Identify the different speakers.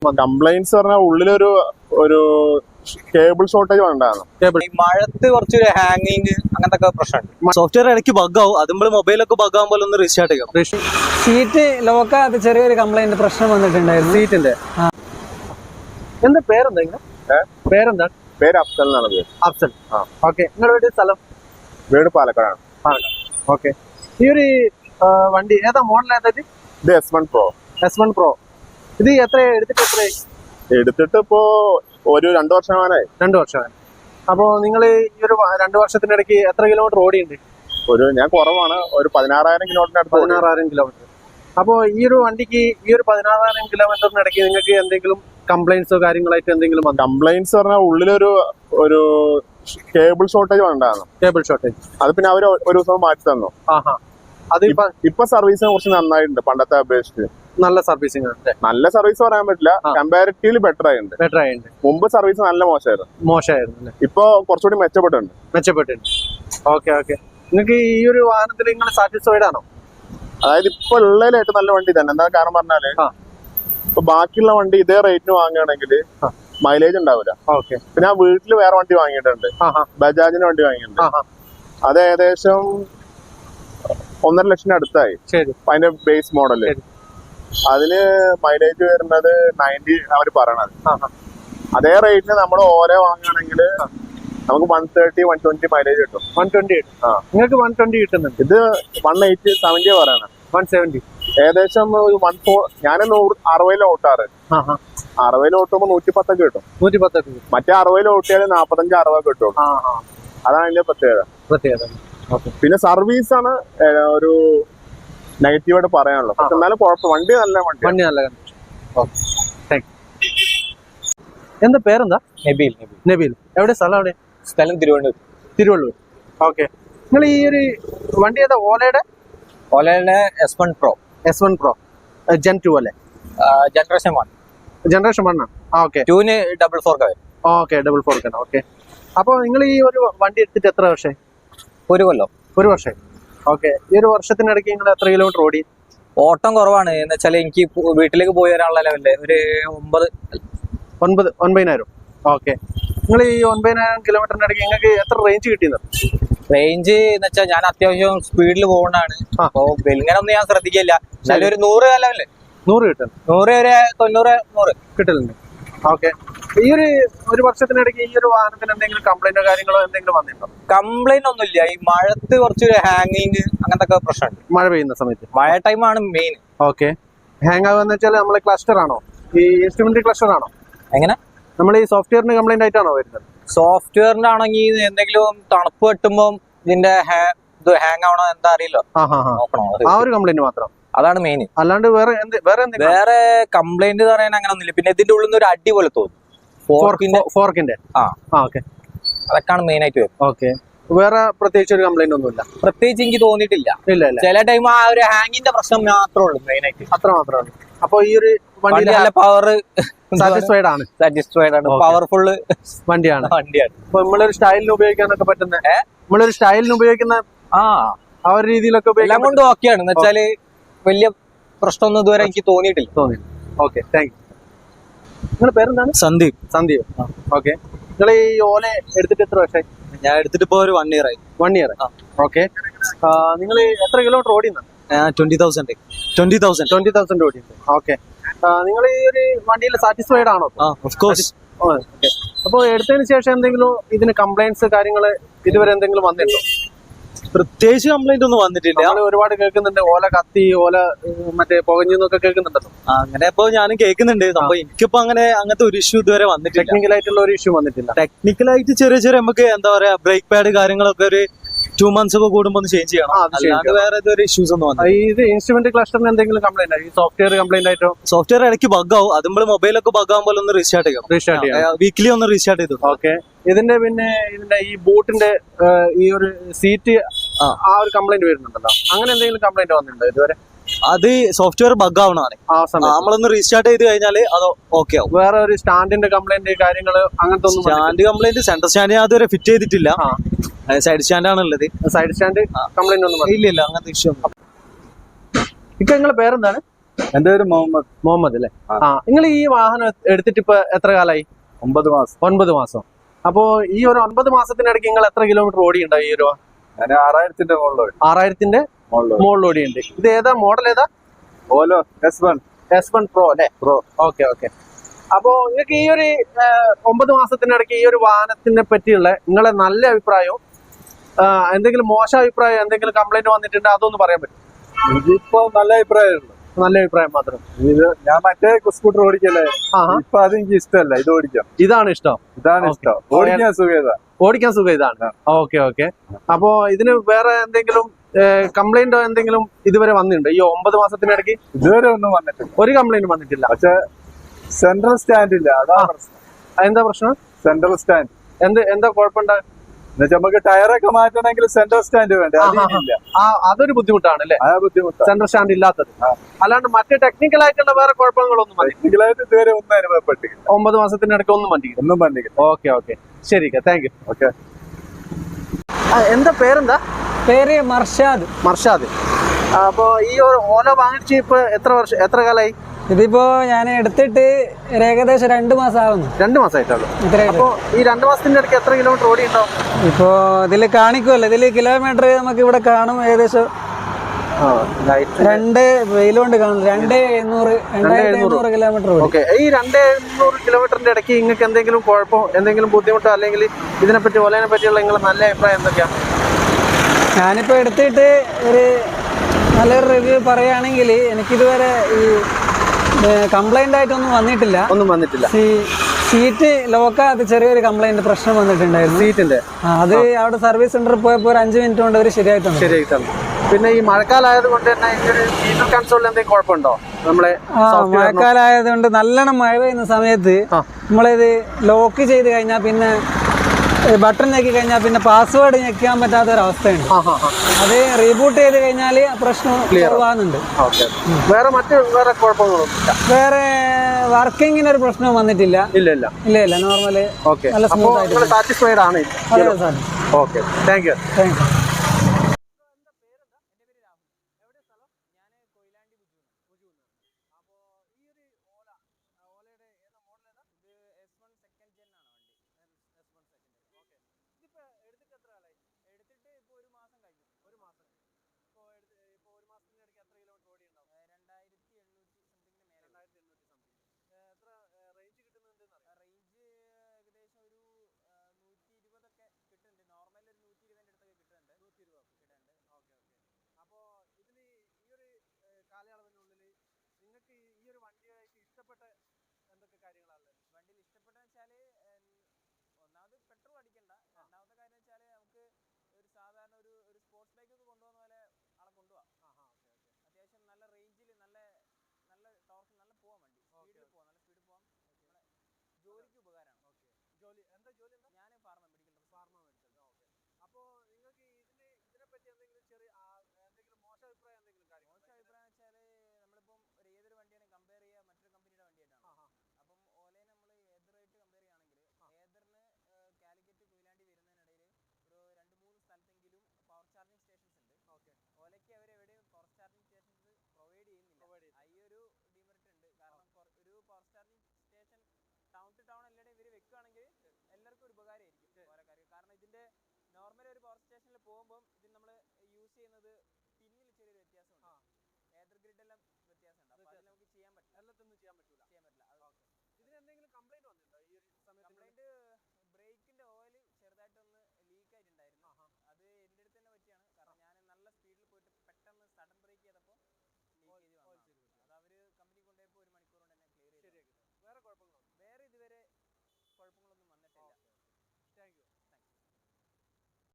Speaker 1: Complaints പറഞ്ഞാൽ ഉള്ളിലൊരു cable shortage ഉണ്ടായിരുന്നു.
Speaker 2: മഴത്ത് കുറച്ചൊരു ഹാങ്ങിങ് അങ്ങനത്തെ പ്രശ്നമുണ്ട്.
Speaker 3: സോഫ്റ്റ്വെയർ ഇടയ്ക്ക് ബഗ്ഗാവും. അത് നമ്മൾ മൊബൈലൊക്കെ ബഗ്ഗാകുമ്പോൾ ഒന്ന് റീസ്റ്റാർട്ട് ചെയ്യണം.
Speaker 4: സീറ്റ് ലോക്കാത്ത ചെറിയൊരു കംപ്ലൈന്റ് പ്രശ്നം വന്നിട്ടുണ്ടായിരുന്നു
Speaker 3: സീറ്റിന്റെ. എന്താ പേരെന്താ? പേരെന്താ?
Speaker 2: പേര് അഫ്സൽ എന്നാണ് പേര്.
Speaker 3: അഫ്സൽ. ഓക്കെ. നിങ്ങളുടെ വീട് സ്ഥലം?
Speaker 2: വീട് പാലക്കാടാണ്.
Speaker 3: ഓക്കെ. ഈ ഒരു വണ്ടി ഏതാ മോഡൽ? ഏതാ
Speaker 2: ഇത് S1 Pro.
Speaker 3: S1 Pro. ഇത് എത്ര
Speaker 2: എടുത്തിട്ട് ഇപ്പോ ഒരു 2 വർഷമാനായി.
Speaker 3: 2 വർഷമായി. അപ്പോ നിങ്ങൾ ഈ ഒരു 2 വർഷത്തിനിടയ്ക്ക് എത്ര കിലോമീറ്റർ ഓടിയുണ്ട്?
Speaker 2: ഞാൻ കുറവാണ്, ഒരു 16,000 കിലോമീറ്റർ.
Speaker 3: 16,000 കിലോമീറ്റർ. അപ്പോ ഈ ഒരു വണ്ടിക്ക് ഈ ഒരു 16,000 കിലോമീറ്ററിനിടയ്ക്ക് നിങ്ങൾക്ക് എന്തെങ്കിലും കംപ്ലൈന്റ്സോ കാര്യങ്ങളായിട്ട് എന്തെങ്കിലും
Speaker 2: കംപ്ലൈന്റ്സ് പറഞ്ഞാൽ ഉള്ളിലൊരു കേബിൾ ഷോർട്ടേജ് ഉണ്ടായിരുന്നു.
Speaker 3: Cable shortage.
Speaker 2: അത് പിന്നെ അവര് ഒരു ദിവസം മാറ്റി തന്നു.
Speaker 3: അത്
Speaker 2: ഇപ്പൊ സർവീസിനെ കുറിച്ച് നന്നായിട്ടുണ്ട് പണ്ടത്തെ അപേക്ഷിച്ച്.
Speaker 3: നല്ല സർവീസിംഗ് ആണ്.
Speaker 2: നല്ല സർവീസ് പറയാൻ പറ്റില്ല, കമ്പാരിറ്റീവ്ലി ബെറ്റർ ആയിട്ടുണ്ട്. മുമ്പ് സർവീസ് നല്ല മോശമായിരുന്നു. ഇപ്പൊ കുറച്ചുകൂടി മെച്ചപ്പെട്ടിട്ടുണ്ട്.
Speaker 3: ഓക്കെ. നിങ്ങൾക്ക് ഈ ഒരു വാഹനത്തിൽ നിങ്ങൾ സാറ്റിസ്ഫൈഡ് ആണോ?
Speaker 2: അതായത് ഇപ്പൊ ഉള്ളതിലായിട്ട് നല്ല വണ്ടി തന്നെ. എന്താ കാരണം പറഞ്ഞാല് ഇപ്പൊ ബാക്കിയുള്ള വണ്ടി ഇതേ റേറ്റിന് വാങ്ങുകയാണെങ്കിൽ മൈലേജ് ഉണ്ടാവില്ല. പിന്നെ ഞാൻ വീട്ടിൽ വേറെ വണ്ടി വാങ്ങിയിട്ടുണ്ട്, ബജാജിന്റെ വണ്ടി വാങ്ങിയിട്ടുണ്ട്. അത് ഏകദേശം 1.5 ലക്ഷം അടുത്തായി. അതിന്റെ ബേസ് മോഡല്. അതിന് മൈലേജ് വരുന്നത് 90 അവര് പറയണത്. അതേ റേറ്റിന് നമ്മൾ ഓരോ വാങ്ങുകയാണെങ്കിൽ നമുക്ക് 130-120 മൈലേജ് കിട്ടും.
Speaker 3: 120 നിങ്ങൾക്ക് 120 കിട്ടുന്നുണ്ട്.
Speaker 2: ഇത് 180 70 പറയണ.
Speaker 3: 170
Speaker 2: ഏകദേശം 140. ഞാൻ 60 ഓട്ടാറ്. 60 ഓട്ടുമ്പോ 110 കിട്ടും.
Speaker 3: 110.
Speaker 2: മറ്റേ 60 ഓട്ടിയാൽ 45-60 കിട്ടും. അതാണ് അതിന്റെ പ്രത്യേകത. പിന്നെ സർവീസ് ആണ് ഒരു നെഗറ്റീവായിട്ട് പറയാനുള്ളത്. പക്ഷെ എന്നാലും കുഴപ്പം, വണ്ടി നല്ല
Speaker 3: എന്താ പേരെന്താ?
Speaker 2: നബീൽ.
Speaker 3: എവിടെ സ്ഥലം? എവിടെ?
Speaker 2: സ്ഥലം
Speaker 3: തിരുവള്ളൂർ. ഓക്കെ. നിങ്ങൾ ഈ ഒരു വണ്ടി ഏതാ? ഓലയുടെ
Speaker 2: S1 Pro.
Speaker 3: S1 Pro Gen 2 അല്ലേ? ജനറേഷൻ 1 ആണ്. ഓക്കെ.
Speaker 2: 2 4
Speaker 3: ഓക്കെ. 4 ഓക്കെ. അപ്പൊ നിങ്ങൾ ഈ ഒരു വണ്ടി എടുത്തിട്ട് എത്ര വർഷമായി?
Speaker 2: 1 കൊല്ലം.
Speaker 3: 1 വർഷമായി. ഓക്കെ. ഈ ഒരു വർഷത്തിനിടയ്ക്ക് നിങ്ങൾ എത്ര കിലോമീറ്റർ ഓടി?
Speaker 2: ഓട്ടം കുറവാണ്. എന്ന് വെച്ചാൽ എനിക്ക് വീട്ടിലേക്ക് പോയി വരാനുള്ള ലെവലില് ഒരു
Speaker 3: 9,000. ഓക്കെ. നിങ്ങൾ ഈ 9,000 കിലോമീറ്ററിനിടയ്ക്ക് നിങ്ങൾക്ക് എത്ര റേഞ്ച് കിട്ടിയത്?
Speaker 2: റേഞ്ച് എന്ന് വെച്ചാൽ ഞാൻ അത്യാവശ്യം സ്പീഡിൽ പോകുന്നതാണ്. അപ്പൊ ഇങ്ങനെ ഒന്നും ഞാൻ ശ്രദ്ധിക്കില്ല. എന്നാലും ഒരു 100 ലെവല്
Speaker 3: 100 കിട്ടും.
Speaker 2: 100 വരെ 90-100
Speaker 3: കിട്ടലുണ്ട്. ഓക്കെ. ഈ ഒരു വർഷത്തിനിടയ്ക്ക് ഈ ഒരു വാഹനത്തിന് എന്തെങ്കിലും കംപ്ലൈന്റോ കാര്യങ്ങളോ എന്തെങ്കിലും വന്നിട്ടുണ്ടോ?
Speaker 2: കംപ്ലൈന്റ് ഒന്നുമില്ല. ഈ മഴത്ത് കുറച്ചൊരു ഹാങ്ങിങ് അങ്ങനത്തെ പ്രശ്നമുണ്ട്.
Speaker 3: മഴ പെയ്യുന്ന സമയത്ത്?
Speaker 2: മഴ ടൈമാണ് മെയിൻ.
Speaker 3: ഓക്കെ. ഹാങ് ആവുന്ന വെച്ചാൽ നമ്മളെ ക്ലസ്റ്റർ ആണോ? ഈ ഇൻസ്ട്രുമെന്റ് ക്ലസ്റ്റർ ആണോ?
Speaker 2: എങ്ങനെ?
Speaker 3: നമ്മൾ ഈ സോഫ്റ്റ്വെയറിന് കംപ്ലൈന്റ് ആയിട്ടാണോ വരുന്നത്?
Speaker 2: സോഫ്റ്റ്വെയറിന്റെ ആണെങ്കിൽ എന്തെങ്കിലും തണുപ്പ് കിട്ടുമ്പോ ഇതിന്റെ ഹാങ് ആവണോ എന്താ അറിയില്ലോ.
Speaker 3: ആ ഒരു കംപ്ലൈന്റ് മാത്രം?
Speaker 2: അതാണ് മെയിൻ.
Speaker 3: അല്ലാണ്ട്
Speaker 2: വേറെ കംപ്ലൈന്റ് പറയാൻ അങ്ങനെ ഒന്നുമില്ല. പിന്നെ ഇതിന്റെ ഉള്ളിൽ നിന്ന് ഒരു അടി പോലെ തോന്നും.
Speaker 3: ഫോർക്കിന്റെ. ഓക്കെ.
Speaker 2: അതൊക്കെയാണ് മെയിൻ ആയിട്ട് വരുന്നത്.
Speaker 3: ഓക്കെ. വേറെ പ്രത്യേകിച്ച് ഒരു കംപ്ലൈന്റ് ഒന്നുമില്ല?
Speaker 2: പ്രത്യേകിച്ച് എനിക്ക് തോന്നിയിട്ടില്ല. ചില ടൈം ആ ഒരു ഹാങ്ങിന്റെ പ്രശ്നം മാത്രമേ ഉള്ളൂ മെയിൻ ആയിട്ട്.
Speaker 3: അത്ര മാത്രമാണ്. അപ്പൊ ഈ ഒരു
Speaker 2: വണ്ടി നല്ല പവർ
Speaker 3: സാറ്റിസ്ഫൈഡ് ആണ്.
Speaker 2: പവർഫുൾ
Speaker 3: വണ്ടിയാണ്. അപ്പൊ നമ്മളൊരു സ്റ്റൈലിന് ഉപയോഗിക്കാനൊക്കെ പറ്റുന്ന, നമ്മളൊരു സ്റ്റൈലിന് ഉപയോഗിക്കുന്ന ആ ഒരു രീതിയിലൊക്കെ
Speaker 2: എല്ലാം കൊണ്ട് ഓക്കെയാണ്. എന്ന് വെച്ചാല് വലിയ പ്രശ്നമൊന്നും ഇതുവരെ എനിക്ക് തോന്നിയിട്ടില്ല.
Speaker 3: ഓക്കെ. Thank you. നിങ്ങളുടെ പേരെന്താണ്?
Speaker 4: സന്ദീപ്.
Speaker 3: ഓക്കെ. നിങ്ങൾ ഈ ഓല എടുത്തിട്ട് എത്ര വർഷമായി?
Speaker 4: ഞാൻ എടുത്തിട്ട് ഇപ്പൊ ഒരു 1 ഇയർ ആയി.
Speaker 3: 1 ഇയർ. ഓക്കെ. നിങ്ങൾ എത്ര കിലോമീറ്റർ ഓടിയുന്ന?
Speaker 4: 20,000
Speaker 3: ഓടിയുണ്ട്. ഓക്കെ. നിങ്ങൾ ഈ ഒരു വണ്ടിയിൽ സാറ്റിസ്ഫൈഡ് ആണോ?
Speaker 4: Of course.
Speaker 3: ഓക്കെ. അപ്പോൾ എടുത്തതിന് ശേഷം എന്തെങ്കിലും ഇതിന് കംപ്ലൈന്റ്സ് കാര്യങ്ങൾ ഇതുവരെ എന്തെങ്കിലും വന്നിട്ടുണ്ടോ?
Speaker 4: പ്രത്യേകിച്ച് കംപ്ലൈന്റ് ഒന്നും വന്നിട്ടില്ല.
Speaker 3: ഒരുപാട് കേൾക്കുന്നുണ്ട്, ഓല കത്തി, ഓല മറ്റേ പുകഞ്ഞെന്നൊക്കെ കേൾക്കുന്നുണ്ടല്ലോ.
Speaker 4: അങ്ങനെ ഇപ്പൊ ഞാനും കേൾക്കുന്നുണ്ട്. അപ്പൊ എനിക്കിപ്പോ അങ്ങനത്തെ ഒരു ഇഷ്യൂ ഇതുവരെ വന്നിട്ടില്ല.
Speaker 3: ടെക്നിക്കൽ ആയിട്ടുള്ള ഒരു ഇഷ്യൂ വന്നിട്ടില്ല.
Speaker 4: ടെക്നിക്കലായിട്ട് ചെറിയ നമുക്ക് എന്താ പറയാ ബ്രേക്ക് പാഡ് കാര്യങ്ങളൊക്കെ ഒരു 2 months ഒക്കെ കൂടുമ്പോ ചേഞ്ച് ചെയ്യണം. അല്ലാണ്ട് വേറെ ഇതുവരെ ഇഷ്യൂസ് ഒന്നും വന്നില്ല.
Speaker 3: ഇത് ഇൻസ്ട്രുമെന്റ് ക്ലസ്റ്ററിന് എന്തെങ്കിലും കംപ്ലൈന്റ് ആയി? സോഫ്റ്റ്വെയർ കംപ്ലൈന്റ് ആയിട്ടോ?
Speaker 4: സോഫ്റ്റ്വെയർ ഇടയ്ക്ക് ബഗ്ഗാവും. അത് നമ്മൾ മൊബൈലൊക്കെ ബഗ്ഗാകുമ്പോൾ ഒന്ന് റീസ്റ്റാർട്ട് ചെയ്യണം. വീക്കിലി ഒന്ന് റീസ്റ്റാർട്ട് ചെയ്തു.
Speaker 3: ഓക്കെ. ഇതിന്റെ ഈ ബൂട്ടിന്റെ ഈ ഒരു സീറ്റ് ആ ഒരു കംപ്ലൈന്റ് വരുന്നുണ്ടല്ലോ, അങ്ങനെ എന്തെങ്കിലും കംപ്ലൈന്റ് വന്നിട്ടുണ്ടോ ഇതുവരെ?
Speaker 4: അത് സോഫ്റ്റ്വെയർ ബഗ് ആവണതാണ്. നമ്മളൊന്ന് റീസ്റ്റാർട്ട് ചെയ്ത് കഴിഞ്ഞാൽ അത് ഓക്കെ ആവും.
Speaker 3: വേറെ ഒരു സ്റ്റാൻഡിന്റെ കംപ്ലൈന്റ് കാര്യങ്ങൾ അങ്ങനത്തെ ഒന്നും?
Speaker 4: സ്റ്റാൻഡ് കംപ്ലൈന്റ്, സെന്റർ സ്റ്റാൻഡ് ഞാൻ അതുവരെ ഫിറ്റ് ചെയ്തിട്ടില്ല. സൈഡ് സ്റ്റാൻഡ് ആണുള്ളത്.
Speaker 3: സൈഡ് സ്റ്റാൻഡ് കംപ്ലൈന്റ് ഒന്നും
Speaker 4: ഇല്ല. അങ്ങനത്തെ ഇഷ്യൂ ഒന്നും.
Speaker 3: ഇപ്പൊ നിങ്ങളുടെ പേരെന്താണ്?
Speaker 4: എന്റെ പേര് മുഹമ്മദ്.
Speaker 3: മുഹമ്മദ് അല്ലേ? ആ, നിങ്ങൾ ഈ വാഹനം എടുത്തിട്ട് ഇപ്പൊ എത്ര കാലായി?
Speaker 4: 9 മാസം.
Speaker 3: 9 മാസം. അപ്പോ ഈ ഒരു 9 മാസത്തിനിടയ്ക്ക് നിങ്ങൾ എത്ര കിലോമീറ്റർ ഓടിയുണ്ടാവും ഈ ഒരു?
Speaker 4: ഞാൻ 6000-ന്റെ മുകളിൽ.
Speaker 3: 6000-ന്റെ മുകളിൽ ഓടിയുണ്ട്. ഇത് ഏതാ മോഡൽ? ഏതാ?
Speaker 4: ഓലോ S1
Speaker 3: Pro അല്ലേ? Okay okay. അപ്പോ നിങ്ങൾക്ക് ഈ ഒരു 9 മാസത്തിനിടയ്ക്ക് ഈ ഒരു വാഹനത്തിനെ പറ്റിയുള്ള നിങ്ങളെ നല്ല അഭിപ്രായവും എന്തെങ്കിലും മോശം അഭിപ്രായം, എന്തെങ്കിലും കംപ്ലൈന്റ് വന്നിട്ടുണ്ട് അതൊന്ന് പറയാൻ പറ്റും?
Speaker 4: ഇതിപ്പോ നല്ല അഭിപ്രായമുള്ളൂ.
Speaker 3: നല്ല അഭിപ്രായം മാത്രം.
Speaker 4: ഇത് ഞാൻ മറ്റേ സ്കൂട്ടർ ഓടിക്കല്ലേ, ഇപ്പൊ അത് എനിക്ക് ഇഷ്ടമല്ല. ഇത് ഓടിക്കാം.
Speaker 3: ഇതാണ് ഇഷ്ടം?
Speaker 4: ഇതാണ് ഇഷ്ടം. ഓടിക്കാൻ സുഖം.
Speaker 3: ഓടിക്കാൻ സുഖം ഇതാണ്. Okay okay. അപ്പോ ഇതിന് വേറെ എന്തെങ്കിലും കംപ്ലൈന്റോ എന്തെങ്കിലും ഇതുവരെ വന്നിട്ടുണ്ടോ ഈ 9 മാസത്തിനിടയ്ക്ക്?
Speaker 4: ഇതുവരെ ഒന്നും വന്നിട്ടില്ല.
Speaker 3: ഒരു കംപ്ലൈന്റ് വന്നിട്ടില്ല.
Speaker 4: പക്ഷെ സെൻട്രൽ സ്റ്റാൻഡ് ഇല്ല, അതാണ് പ്രശ്നം.
Speaker 3: എന്താ പ്രശ്നം?
Speaker 4: സെൻട്രൽ സ്റ്റാൻഡ്
Speaker 3: എന്താ കുഴപ്പമുണ്ടാ?
Speaker 4: എന്നുവെച്ചാൽ നമുക്ക് ടയറൊക്കെ മാറ്റണമെങ്കിൽ സെൻട്രൽ സ്റ്റാൻഡ് വേണ്ടേ, അതില്ല.
Speaker 3: അതൊരു ബുദ്ധിമുട്ടാണ് അല്ലേ?
Speaker 4: ബുദ്ധിമുട്ടാണ്
Speaker 3: സെൻട്രൽ സ്റ്റാൻഡ് ഇല്ലാത്തത്. അല്ലാണ്ട് മറ്റേ ടെക്നിക്കൽ ആയിട്ടുള്ള വേറെ കുഴപ്പങ്ങളൊന്നും
Speaker 4: ടെക്നിക്കലായിട്ട് ഇതുവരെ ഒന്നും അനുഭവപ്പെട്ടില്ല.
Speaker 3: 9 മാസത്തിനിടയ്ക്ക് ഒന്നും വന്നിട്ടില്ല. ഓക്കെ ഓക്കെ, ശരി, താങ്ക് യു.
Speaker 4: ഓക്കെ.
Speaker 3: എന്താ പേരെന്താ?
Speaker 5: പേര് മർഷാദ്.
Speaker 3: മർഷാദ്. അപ്പൊ ഈ ഒരു ഓല വാങ്ങിച്ച് ഇപ്പൊ എത്ര കാലായി?
Speaker 5: ഇതിപ്പോ ഞാൻ എടുത്തിട്ട് ഏകദേശം 2 മാസം ആവുന്നു.
Speaker 3: 2 മാസമായിട്ടുള്ളൂ. അപ്പൊ ഈ 2 മാസത്തിന്റെ ഇടയ്ക്ക് എത്ര കിലോമീറ്റർ ഓടി ഉണ്ടാവും?
Speaker 5: ഇപ്പോ ഇതില് കാണിക്കുമല്ലോ, ഇതില് കിലോമീറ്റർ നമുക്ക് ഇവിടെ കാണും. ഏകദേശം 2 വെയിലുകൊണ്ട് കാണും. 2700 കിലോമീറ്റർ.
Speaker 3: ഓക്കെ. ഈ 2700 കിലോമീറ്ററിന്റെ ഇടയ്ക്ക് നിങ്ങൾക്ക് എന്തെങ്കിലും കുഴപ്പം, എന്തെങ്കിലും ബുദ്ധിമുട്ടോ, അല്ലെങ്കിൽ ഇതിനെപ്പറ്റി ഓലേനെ പറ്റിയുള്ള നിങ്ങളുടെ നല്ല അഭിപ്രായം എന്തൊക്കെയാണ്?
Speaker 5: ഞാനിപ്പോ എടുത്തിട്ട് ഒരു നല്ലൊരു റിവ്യൂ പറയുകയാണെങ്കിൽ എനിക്കിതുവരെ ഈ കംപ്ലൈന്റ് ആയിട്ടൊന്നും വന്നിട്ടില്ല. സീറ്റ് ലോക്കാത്ത ചെറിയൊരു കംപ്ലൈന്റ് പ്രശ്നം വന്നിട്ടുണ്ടായിരുന്നു സീറ്റിന്റെ. അത് അവിടെ സർവീസ് സെന്ററിൽ പോയപ്പോൾ ഒരു 5 മിനിറ്റ് കൊണ്ട് അവർ ശരിയായിട്ടുണ്ട്.
Speaker 3: പിന്നെ ഈ മഴക്കാലമായത് കൊണ്ട് തന്നെ ഫീച്ചർ കൺസോളിൽ എന്തെങ്കിലും കുഴപ്പമുണ്ടോ?
Speaker 5: മഴക്കാലമായതുകൊണ്ട് നല്ലോണം മഴ പെയ്യുന്ന സമയത്ത് നമ്മളിത് ലോക്ക് ചെയ്ത് കഴിഞ്ഞാൽ പിന്നെ ബട്ടൺ ഞെക്കി കഴിഞ്ഞാൽ പിന്നെ പാസ്വേഡ് ഞെക്കാൻ പറ്റാത്ത ഒരു അവസ്ഥയുണ്ട്. അത് റീബൂട്ട് ചെയ്ത് കഴിഞ്ഞാൽ പ്രശ്നം ക്ലിയർ ആവുന്നുണ്ട്.
Speaker 3: വേറെ കുഴപ്പങ്ങളൊന്നുമില്ല.
Speaker 5: വേറെ വർക്കിങ്ങിന് ഒരു പ്രശ്നവും വന്നിട്ടില്ല. ഇല്ല നോർമല് നല്ല സ്മൂത്ത് ആയിട്ട്
Speaker 3: സാറ്റിസ്ഫൈഡ് ആണ്. Okay, thank you. നിങ്ങൾക്ക് ഈ ഒരു വണ്ടിയായിട്ട് ഇഷ്ടപ്പെട്ട എന്തൊക്കെ കാര്യങ്ങളാണ്? വണ്ടിയിൽ ഇഷ്ടപ്പെട്ടെന്ന് വെച്ചാൽ ഒന്നാമത് പെട്രോൾ അടിക്കണ്ട, രണ്ടാമത്തെ കാര്യം വെച്ചാൽ നമുക്ക് ഒരു സാധാരണ ഒരു സ്പോർട്സ് ബൈക്ക് ഒക്കെ കൊണ്ടുപോകുന്ന പോലെ ആളെ കൊണ്ടുപോകാം. അത്യാവശ്യം നല്ല റേഞ്ചിൽ നല്ല ടോർക്ക് നല്ല പോവാൻ വണ്ടി, സ്പീഡിൽ പോവാം, നല്ല സ്പീഡിൽ പോവാം. ജോലിക്ക് ഉപകാരമാണ്. എന്താ ജോലി? ഞാൻ ഫാർമ മെഡിക്കൽ. അപ്പോൾ നിങ്ങൾക്ക് ഇതിനെപ്പറ്റി എന്തെങ്കിലും എന്തെങ്കിലും മോശം അഭിപ്രായം എന്തെങ്കിലും കാര്യം? മോശം അഭിപ്രായം വെച്ചാൽ നമ്മളിപ്പം ഏതൊരു വണ്ടിയാണ് കമ്പയർ ചെയ്യുക മറ്റൊരു കമ്പനിയുടെ വണ്ടിയായിട്ടാണ്. അപ്പം ഓലയെ നമ്മൾ ഏതറായിട്ട് കമ്പയർ ചെയ്യുകയാണെങ്കിൽ ഏതറിന് കാലിക്കറ്റ് കൊയിലാണ്ടി വരുന്നതിനിടയിൽ ഒരു 2-3 സ്ഥലത്തെങ്കിലും പവർ ചാർജിങ് സ്റ്റേഷൻസ് ഉണ്ട്. ഓലയ്ക്ക് അവരെവിടെയും പവർ ചാർജിങ് സ്റ്റേഷൻസ് പ്രൊവൈഡ് ചെയ്യുന്നില്ല. ഈ ഒരു ഡിമെറിറ്റ് ഉണ്ട്. കാരണം ഒരു power charging station town to town എല്ലാവരുടെയും ഇവർ വെക്കുകയാണെങ്കിൽ എല്ലാവർക്കും ഒരു ഉപകാരമായിരിക്കും ഓരോ കാര്യം. കാരണം ഇതിന്റെ നോർമലി ഒരു പവർ സ്റ്റേഷനിൽ പോകുമ്പോൾ ഇതിൽ നമ്മൾ യൂസ് ചെയ്യുന്നത് പിന്നിൽ ചെറിയൊരു വ്യത്യാസമുണ്ട്. ഏതർ ഗ്രിഡ് എല്ലാം വ്യത്യാസമുണ്ട്. അപ്പോൾ അതിൽ നമുക്ക് ചെയ്യാൻ പറ്റില്ല. എല്ലാത്തൊന്നും ചെയ്യാൻ പറ്റില്ല. ഇതിന് എന്തെങ്കിലും കംപ്ലൈന്റ് വന്നിട്ടുണ്ടോ ഈ ഒരു സമയത്ത്? കംപ്ലൈന്റ് ബ്രേക്കിന്റെ ഓയിൽ ചെറുതായിട്ടൊന്ന് ലീക്ക് ആയിട്ടുണ്ടായിരുന്നു. അത് എൻ്റെ അടുത്ത് തന്നെ പറ്റിയാണ്. കാരണം ഞാൻ നല്ല സ്പീഡിൽ പോയിട്ട് പെട്ടെന്ന് സഡൻ ബ്രേക്ക് ചെയ്തപ്പോൾ ലീക്ക് ചെയ്ത് വന്നു. അത് അവർ കമ്പനി കൊണ്ടുപോയപ്പോൾ 1 മണിക്കൂർ കൊണ്ട് തന്നെ ക്ലിയർ ചെയ്തു. വേറെ കുഴപ്പങ്ങളൊന്നും? വേറെ ഇതുവരെ കുഴപ്പങ്ങളൊന്നും വന്നിട്ടില്ല. Thank U.